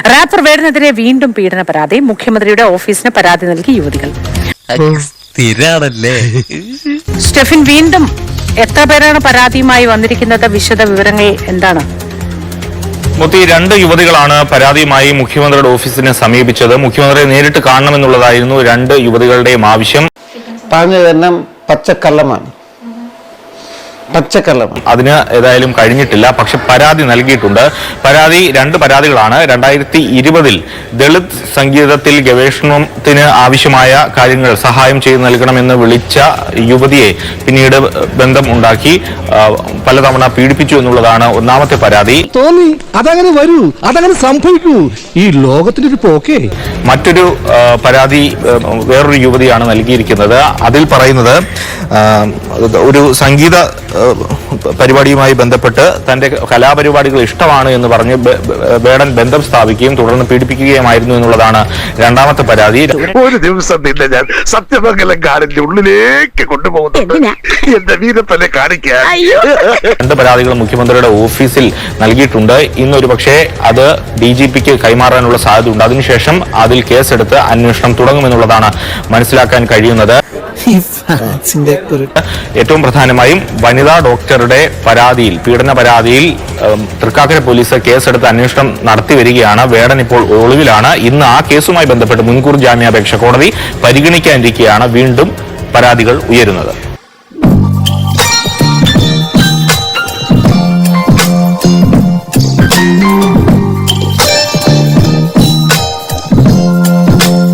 Wrapper വേടനെതിരെ വീണ്ടും പീഡന പരാതി. മുഖ്യമന്ത്രിയുടെ ഓഫീസിന് പരാതി നൽകി യുവതികൾ. സ്റ്റെഫിൻ, വീണ്ടും എത്ര പേരാണ് പരാതിയുമായി വന്നിരിക്കുന്നത്? വിശദ വിവരങ്ങൾ എന്താണ്? മുത്തി, 2 യുവതികളാണ് പരാതിയുമായി മുഖ്യമന്ത്രിയുടെ ഓഫീസിനെ സമീപിച്ചത്. മുഖ്യമന്ത്രിയെ നേരിട്ട് കാണണമെന്നുള്ളതായിരുന്നു 2 യുവതികളുടെയും ആവശ്യം. പറഞ്ഞതെല്ലാം പച്ചക്കള്ളമാണ്. അതിന് ഏതായാലും കഴിഞ്ഞിട്ടില്ല. പക്ഷെ പരാതി നൽകിയിട്ടുണ്ട്. 2 പരാതികളാണ്. 2020 ദളിത് സംഗീതത്തിൽ ഗവേഷണത്തിന് ആവശ്യമായ കാര്യങ്ങൾ സഹായം ചെയ്തു നൽകണമെന്ന് വിളിച്ച യുവതിയെ പിന്നീട് ബന്ധം ഉണ്ടാക്കി പലതവണ പീഡിപ്പിച്ചു എന്നുള്ളതാണ് ഒന്നാമത്തെ പരാതി. തോന്നി അതങ്ങനെ വരൂ, അതങ്ങനെ സംഭവിക്കൂ, ഈ ലോകത്തിന്റെ ഒരു പോക്കേ. മറ്റൊരു പരാതി വേറൊരു യുവതിയാണ് നൽകിയിരിക്കുന്നത്. അതിൽ പറയുന്നത് ഒരു സംഗീത പരിപാടിയുമായി ബന്ധപ്പെട്ട് തന്റെ കലാപരിപാടികൾ ഇഷ്ടമാണ് എന്ന് പറഞ്ഞ് വേടൻ ബന്ധം സ്ഥാപിക്കുകയും തുടർന്ന് പീഡിപ്പിക്കുകയുമായിരുന്നു എന്നുള്ളതാണ് രണ്ടാമത്തെ പരാതി. ഒരു ദിവസം നിന്നെ ഞാൻ സത്യമംഗലം കാടിന്റെ ഉള്ളിലേക്ക് കൊണ്ടുപോകുന്നുണ്ട്, എന്റെ വീരപ്പനെ കാണിക്കാൻ. 2 പരാതികൾ മുഖ്യമന്ത്രിയുടെ ഓഫീസിൽ നൽകിയിട്ടുണ്ട്. ഇന്നൊരു പക്ഷേ അത് DGPക്ക് കൈമാറാനുള്ള സാധ്യതയുണ്ട്. അതിനുശേഷം അതിൽ കേസെടുത്ത് അന്വേഷണം തുടങ്ങുമെന്നുള്ളതാണ് മനസ്സിലാക്കാൻ കഴിയുന്നത്. ഏറ്റവും പ്രധാനമായും വനിതാ ഡോക്ടറുടെ പരാതിയിൽ, പീഡന പരാതിയിൽ തൃക്കാക്കര പോലീസ് കേസെടുത്ത് അന്വേഷണം നടത്തി വരികയാണ്. വേടൻ ഇപ്പോൾ ഒളിവിലാണ്. ഇന്ന് ആ കേസുമായി ബന്ധപ്പെട്ട് മുൻകൂർ ജാമ്യാപേക്ഷ കോടതി പരിഗണിക്കാനിരിക്കെയാണ് വീണ്ടും പരാതികൾ ഉയരുന്നത്.